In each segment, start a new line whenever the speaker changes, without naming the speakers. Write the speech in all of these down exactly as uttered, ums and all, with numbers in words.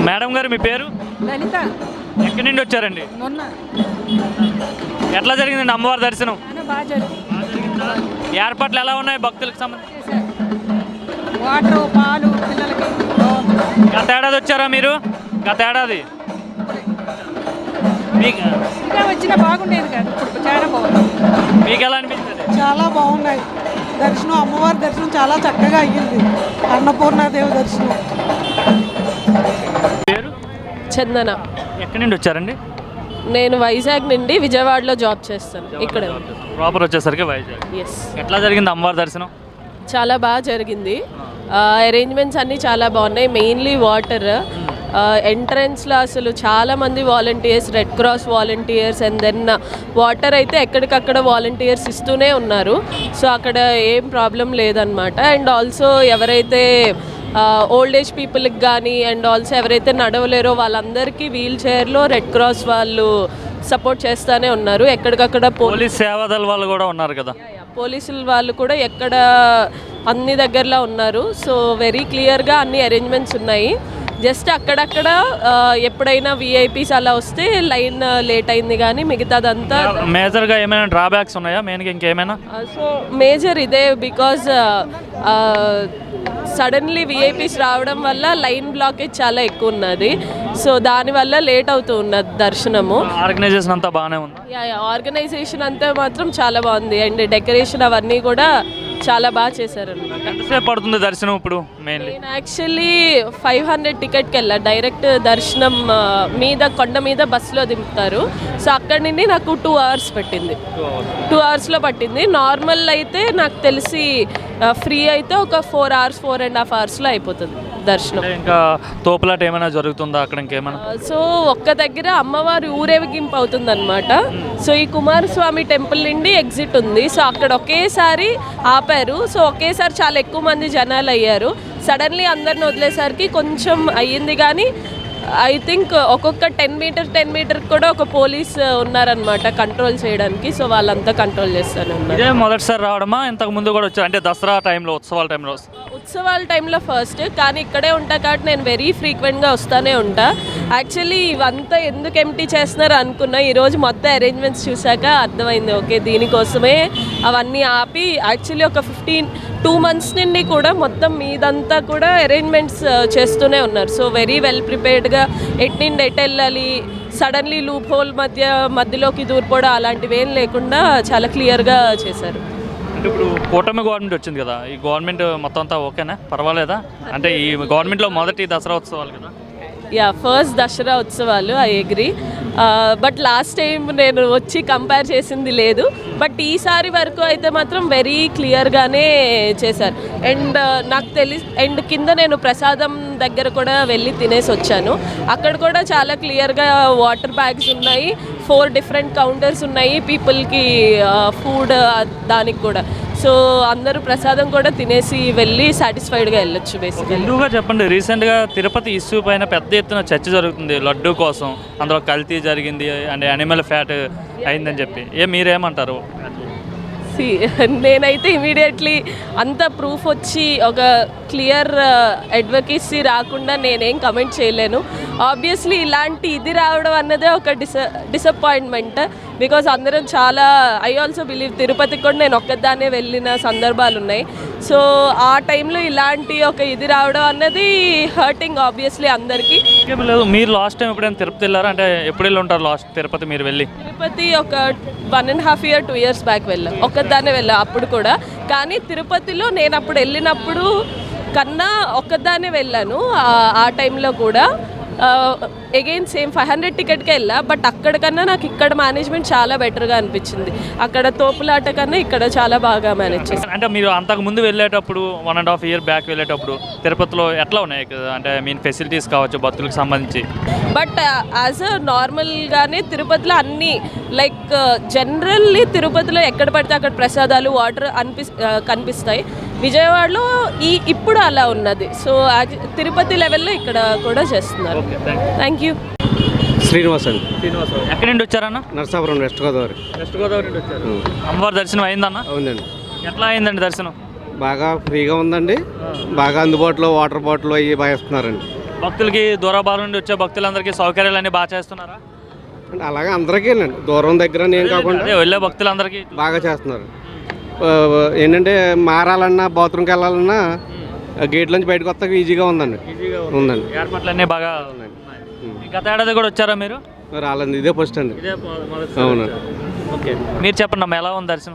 Madam గారు మీ పేరు?
లలిత.
ఎక్కడి నుండి వచ్చారండి?
మొన్న
ఎట్లా జరిగిందండి అమ్మవారి దర్శనం?
చాలా బాగా జరిగింది.
ఏర్పాట్లు ఎలా ఉన్నాయి భక్తులకు సంబంధించి?
చేశారు. వాటర్ పాలు పిల్లలకి బాగుంది.
గత ఏడాది వచ్చారా మీరు? గత ఏడాది మీకు
ఇంకా వచ్చినా బాగుండేది కాదు, ఇప్పుడు చాలా బాగుంది.
మీకు ఎలా అనిపించింది?
చాలా బాగున్నాయి దర్శనం. అమ్మవారి దర్శనం చాలా చక్కగా అయ్యింది. అన్నపూర్ణాదేవి దర్శనం.
పేరు?
చందన.
ఎక్కడి నుండి వచ్చారండి?
నేను వైజాగ్ నుండి విజయవాడలో జాబ్ చేస్తాను. ఇక్కడ
ప్రాపర్ వచ్చేసరికి వైజాగ్.
ఎస్.
ఎట్లా జరిగింది అమ్మవారి దర్శనం?
చాలా బాగా జరిగింది. అరేంజ్మెంట్స్ అన్నీ చాలా బాగున్నాయి. మెయిన్లీ వాటర్ ఎంట్రన్స్లో అసలు చాలామంది volunteers, red cross volunteers, and then water అయితే ఎక్కడికక్కడ వాలంటీర్స్ ఇస్తూనే ఉన్నారు. సో అక్కడ ఏం ప్రాబ్లం లేదనమాట. అండ్ ఆల్సో ఎవరైతే ఓల్డ్ ఏజ్ పీపుల్కి కానీ అండ్ ఆల్సో ఎవరైతే నడవలేరో వాళ్ళందరికీ వీల్ చైర్లో రెడ్ క్రాస్ వాళ్ళు సపోర్ట్ చేస్తూనే ఉన్నారు. ఎక్కడికక్కడ
పోలీస్ సేవాదళ వాళ్ళు కూడా ఉన్నారు కదా,
పోలీసుల వాళ్ళు కూడా ఎక్కడ అన్ని దగ్గరలో ఉన్నారు. సో వెరీ క్లియర్గా అన్ని అరేంజ్మెంట్స్ ఉన్నాయి. జస్ట్ అక్కడక్కడ ఎప్పుడైనా విఐపీస్ అలా వస్తే లైన్ లేట్ అయింది, కానీ మిగతాదంతా
మేజర్గా ఏమైనా డ్రాబ్యాక్స్ ఉన్నాయా మెయిన్గా ఇంకేమైనా?
సో మేజర్ ఇదే, బికాజ్ సడన్లీ విఐపీస్ రావడం వల్ల లైన్ బ్లాకేజ్ చాలా ఎక్కువ ఉన్నది. సో దానివల్ల లేట్ అవుతూ ఉన్నది దర్శనము.
ఆర్గనైజేషన్ అంతా బాగానే ఉంది.
ఆర్గనైజేషన్ అంతా మాత్రం చాలా బాగుంది. అండ్ డెకరేషన్ అవన్నీ కూడా చాలా బాగా చేశారనమాట.
ఎంతసేపు పడుతుంది దర్శనం ఇప్పుడు? మెయిన్లీ
నేను యాక్చువల్లీ ఫైవ్ హండ్రెడ్ టికెట్కి వెళ్ళా. డైరెక్ట్ దర్శనం మీద కొండ మీద బస్సులో దింపుతారు. సో అక్కడి నుండి నాకు టూ అవర్స్ పట్టింది. టూ అవర్స్లో పట్టింది. నార్మల్ అయితే నాకు తెలిసి ఫ్రీ అయితే ఒక four hours four and half అవర్స్లో అయిపోతుంది దర్శనం.
ఇంకా తోపులాట ఏమైనా జరుగుతుందా అక్కడ ఇంకేమైనా?
సో ఒక్క దగ్గర అమ్మవారి ఊరేగింపు అవుతుందన్నమాట. సో ఈ కుమారస్వామి టెంపుల్ నుండి ఎగ్జిట్ ఉంది. సో అక్కడ ఒకేసారి ఆపారు. సో ఒకేసారి చాలా ఎక్కువ మంది జనాలు అయ్యారు. సడన్లీ అందరిని వదిలేసరికి కొంచెం అయ్యింది, కానీ ఐ థింక్ ఒక్కొక్క టెన్ మీటర్ టెన్ మీటర్ కూడా ఒక పోలీస్ ఉన్నారనమాట కంట్రోల్ చేయడానికి. సో వాళ్ళంతా కంట్రోల్ చేస్తూనే ఉన్నారు.
ఇదే మొదటిసారి రావడమా? ఇంతకు ముందు కూడా వచ్చారు అంటే దసరా టైంలో, ఉత్సవాల టైంలో?
ఉత్సవాల టైంలో ఫస్ట్, కానీ ఇక్కడే ఉంటా కాబట్టి నేను వెరీ ఫ్రీక్వెంట్గా వస్తూనే ఉంటా. యాక్చువల్లీ ఇవంతా ఎందుకు ఎంటీ చేస్తున్నారు అనుకున్నా. ఈరోజు మొత్తం అరేంజ్మెంట్స్ చూసాక అర్థమైంది, ఓకే దీనికోసమే అవన్నీ ఆపి. యాక్చువల్లీ ఒక ఫిఫ్టీన్ టూ మంత్స్ నుండి కూడా మొత్తం మీదంతా కూడా అరేంజ్మెంట్స్ చేస్తూనే ఉన్నారు. సో వెరీ వెల్ ప్రిపేర్డ్గా ఎట్ నుండి ఎట్ వెళ్ళాలి, సడన్లీ లూప్ హోల్ మధ్య మధ్యలోకి దూరిపోవడం అలాంటివి ఏం లేకుండా చాలా క్లియర్గా చేశారు.
అంటే ఇప్పుడు కూటమి గవర్నమెంట్ వచ్చింది కదా, ఈ గవర్నమెంట్ మొత్తం అంతా ఓకేనా, పర్వాలేదా? అంటే ఈ గవర్నమెంట్లో మొదటి దసరా ఉత్సవాలు కదా?
యా, ఫస్ట్ దసరా ఉత్సవాలు, I agree. But last time నేను వచ్చి కంపేర్ చేసింది లేదు. బట్ ఈసారి వరకు అయితే మాత్రం వెరీ క్లియర్గానే చేశారు. అండ్ నాకు తెలి అండ్ కింద నేను ప్రసాదం దగ్గర కూడా వెళ్ళి తినేసి వచ్చాను. అక్కడ కూడా చాలా క్లియర్గా వాటర్ బ్యాగ్స్ ఉన్నాయి, ఫోర్ డిఫరెంట్ కౌంటర్స్ ఉన్నాయి పీపుల్కి ఫుడ్ దానికి కూడా. సో అందరూ ప్రసాదం కూడా తినేసి వెళ్ళి సాటిస్ఫైడ్గా వెళ్ళొచ్చు. బేసిక్గా
ఎందుకుగా చెప్పండి, రీసెంట్గా తిరుపతి ఇష్యూ పైన పెద్ద ఎత్తున చర్చ జరుగుతుంది లడ్డు కోసం. అందులో కల్తీ జరిగింది అండ్ యానిమల్ ఫ్యాట్ అయిందని చెప్పి, ఏ మీరేమంటారు?
సి నేనైతే ఇమీడియట్లీ అంత ప్రూఫ్ వచ్చి ఒక క్లియర్ అడ్వకేసీ రాకుండా నేనేం కమెంట్ చేయలేను. ఆబ్వియస్లీ ఇలాంటి ఇది రావడం అన్నదే ఒక డిస డిసప్పాయింట్మెంట్ బికాజ్ అందరం చాలా, ఐ ఆల్సో బిలీవ్ తిరుపతికి కూడా నేను ఒక్కదాన్నే వెళ్ళిన సందర్భాలు ఉన్నాయి. సో ఆ టైంలో ఇలాంటి ఒక ఇది రావడం అన్నది హర్టింగ్ ఆబ్వియస్లీ అందరికీ.
లేదు, మీరు లాస్ట్ టైం ఎప్పుడైనా తిరుపతి వెళ్ళారా? అంటే ఎప్పుడు వెళ్ళి ఉంటారు లాస్ట్ తిరుపతి మీరు వెళ్ళి?
తిరుపతి ఒక one and half year two years back వెళ్ళా, ఒక్కదాన్నే వెళ్ళా అప్పుడు కూడా. కానీ తిరుపతిలో నేను అప్పుడు వెళ్ళినప్పుడు కన్నా ఒక్కదాన్నే వెళ్ళాను ఆ టైంలో కూడా. అగైన్ సేమ్ ఫైవ్ హండ్రెడ్ టికెట్కి వెళ్ళా. బట్ అక్కడికన్నా నాకు ఇక్కడ మేనేజ్మెంట్ చాలా బెటర్గా అనిపించింది. అక్కడ తోపులాట కన్నా ఇక్కడ చాలా బాగా మేనేజ్ చేశారు.
అంటే మీరు అంతకు ముందు వెళ్ళేటప్పుడు one and half year back వెళ్ళేటప్పుడు తిరుపతిలో ఎట్లా ఉన్నాయి అంటే మీన్ ఫెసిలిటీస్ కావచ్చు భక్తులకు సంబంధించి?
బట్ యాజ్ అ నార్మల్గానే తిరుపతిలో అన్నీ లైక్ జనరల్లీ తిరుపతిలో ఎక్కడ పడితే అక్కడ ప్రసాదాలు వాటర్ అనిపి కనిపిస్తాయి. విజయవాడలో ఈ ఇప్పుడు అలా ఉన్నది. సో తిరుపతి లెవెల్లో ఇక్కడ కూడా చేస్తున్నారు. Thank you.
శ్రీనివాస్ అండి.
శ్రీనివాస్ ఎక్కడి నుండి వచ్చారన్న?
నరసాపురం, వెస్ట్ గోదావరి.
వెస్ట్ గోదావరి నుండి వచ్చారు. అమ్మవారి దర్శనం అయిందన్న?
అవునండి.
ఎట్లా అయిందండి దర్శనం?
బాగా ఫ్రీగా ఉందండి. బాగా అందుబాటులో వాటర్ బాటిల్ అవి బాగా ఇస్తున్నారండి.
భక్తులకి దూరభారం నుండి వచ్చే భక్తులందరికీ సౌకర్యాలు అన్నీ బాగా చేస్తున్నారా?
అంటే అలాగే అందరికీనండి, దూరం దగ్గర నేను కాకుండా
అదే వెళ్ళే భక్తులందరికీ
బాగా చేస్తున్నారు. ఆ, ఏంటంటే మారాలన్నా బాత్రూమ్కి వెళ్ళాలన్నా గేట్ నుంచి బయటకు వస్తాక ఈజీగా ఉందండి. ఉందండి.
ఏర్పాట్లన్నీ బాగా ఉన్నాయి. గత ఏడాది కూడా వచ్చారా మీరు?
రాలేదు, ఇదే ఫస్ట్ అండి. అవును.
ఓకే, మీరు చెప్పండి అమ్మా, ఎలా ఉంది దర్శనం?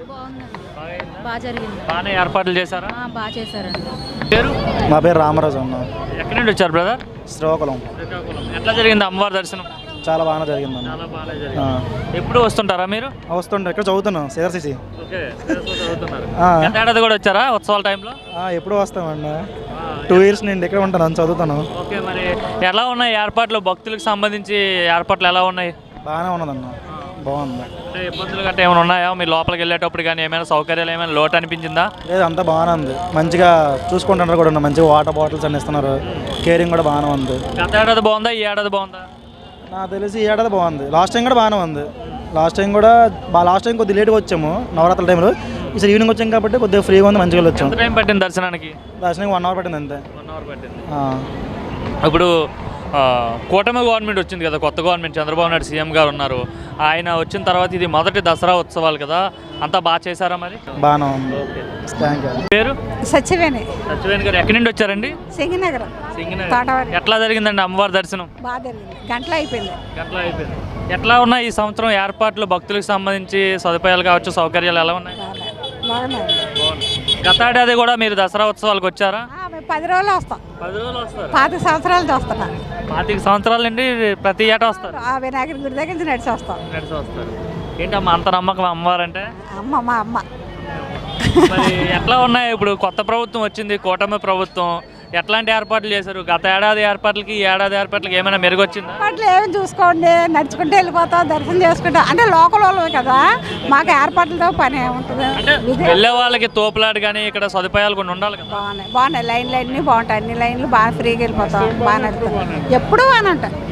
బాగా జరిగింది.
బాగానే ఏర్పాట్లు చేశారా?
బాగా చేశారండి.
పేరు?
నా పేరు రామరాజు అన్న,
ఎక్కడి నుండి వచ్చారు బ్రదర్?
శ్రీకాకుళం.
ఎట్లా జరిగింది అమ్మవారి దర్శనం?
చాలా బాగా జరిగిందన్న.
చాలా బాగా జరిగింది. ఎప్పుడు వస్తుంటారా మీరు?
వస్తుండే, ఇక్కడ చదువుతున్నాను సిఆర్సిసి.
ఓకే, చదువుతున్నారు. గత ఏడాది కూడా వచ్చారా ఉత్సవాల టైంలో?
ఎప్పుడు వస్తామండి, టూ ఇయర్స్ నేను ఇక్కడ ఉంటాను, చదువుతాను.
ఓకే, మరి ఎలా ఉన్నాయి ఏర్పాట్లు? భక్తులకు సంబంధించి ఏర్పాట్లు ఎలా ఉన్నాయి?
బాగానే ఉన్నదన్న, బాగుంది.
అంటే ఇబ్బందులు గట్రా ఏమైనా ఉన్నాయా మీరు లోపలికి వెళ్ళేటప్పుడు? కానీ ఏమైనా సౌకర్యాలు ఏమైనా లోటు అనిపించిందా?
లేదు, అంతా బాగానే ఉంది, మంచిగా చూసుకుంటున్నారు కూడా, మంచిగా వాటర్ బాటిల్స్ అన్ని ఇస్తున్నారు, కేరింగ్ కూడా బాగానే ఉంది.
గత ఏడాది బాగుందా, ఈ ఏడాది బాగుందా?
నాకు తెలిసి ఈ ఏడాది బాగుంది, లాస్ట్ టైం కూడా బాగానే ఉంది. లాస్ట్ టైం కూడా బా లాస్ట్ టైం కొద్దిగా లేట్గా వచ్చాము నవరాత్రుల టైంలో, ఈసారి ఈవినింగ్ వచ్చాం కాబట్టి కొద్దిగా ఫ్రీగా ఉంది, మంచిగా వచ్చాము.
ఎంత టైం పట్టింది దర్శనానికి?
దర్శనానికి వన్ అవర్ పట్టింది అంతే.
వన్ అవర్ పట్టింది.
ఆ.
ఇప్పుడు ఆ, కూటమి గవర్నమెంట్ వచ్చింది కదా, కొత్త గవర్నమెంట్, చంద్రబాబు నాయుడు సీఎం గారు ఉన్నారు. ఆయన వచ్చిన తర్వాత ఇది మొదటి దసరా ఉత్సవాలు కదా, అంతా బాగా చేశారా మరి?
బాగానే ఉంది, థ్యాంక్ యూ.
పేరు?
సత్యవేణి
సత్యవేణి గారు ఎక్కడి నుండి వచ్చారండి?
సింగనగరం
సింగనగర్.
తోటవారి.
ఎట్లా జరిగిందండి అమ్మవారి దర్శనం?
బాగా జరిగింది, గంటలో అయిపోయింది.
గంటలో అయిపోయింది. ఎట్లా ఉన్నాయి ఈ సంవత్సరం ఏర్పాట్లు? భక్తులకు సంబంధించి సదుపాయాలు కావచ్చు, సౌకర్యాలు ఎలా ఉన్నాయి?
బాగున్నాయి.
గత ఏడాది కూడా మీరు దసరా ఉత్సవాలకు వచ్చారా?
మేము పది రోజులు వస్తాం,
పది రోజులు వస్తారు.
పాతిక సంవత్సరాలు చూస్తున్నాం.
పాతిక సంవత్సరాల నుండి ప్రతి ఏటా వస్తారు.
ఆ వినాయకుడి గుడి దగ్గర నుంచి నడిచి వస్తాం.
నడిచి వస్తారు. ఏంటమ్మా అంత నమ్మకం అమ్మవారంటే?
అమ్మ మా అమ్మ.
మరి ఎట్లా ఉన్నాయి ఇప్పుడు కొత్త ప్రభుత్వం వచ్చింది, కూటమి ప్రభుత్వం, ఎట్లాంటి ఏర్పాట్లు చేశారు? గత ఏడాది ఏర్పాట్లకి ఈ ఏడాది ఏర్పాట్లకి ఏమైనా మెరుగొచ్చిందా?
ఏర్పాట్లు ఏమి చూసుకోండి, నడుచుకుంటూ వెళ్ళిపోతాం, దర్శనం చేసుకుంటాం. అంటే లోకల్ వాళ్ళమే కదా, మాకు ఏర్పాట్లతో పని ఏముంటుంది.
అంటే
ఇదే
వెళ్ళే వాళ్ళకి తోపులాట కానీ ఇక్కడ సదుపాయాలు కొన్ని ఉండాలి కదా.
బాగున్నాయి, బాగున్నాయి. లైన్లు అన్నీ బాగుంటాయి, అన్ని లైన్లు బాగా ఫ్రీగా వెళ్ళిపోతాం, బాగా నడుస్తాం, ఎప్పుడు బాగానే ఉంటాయి.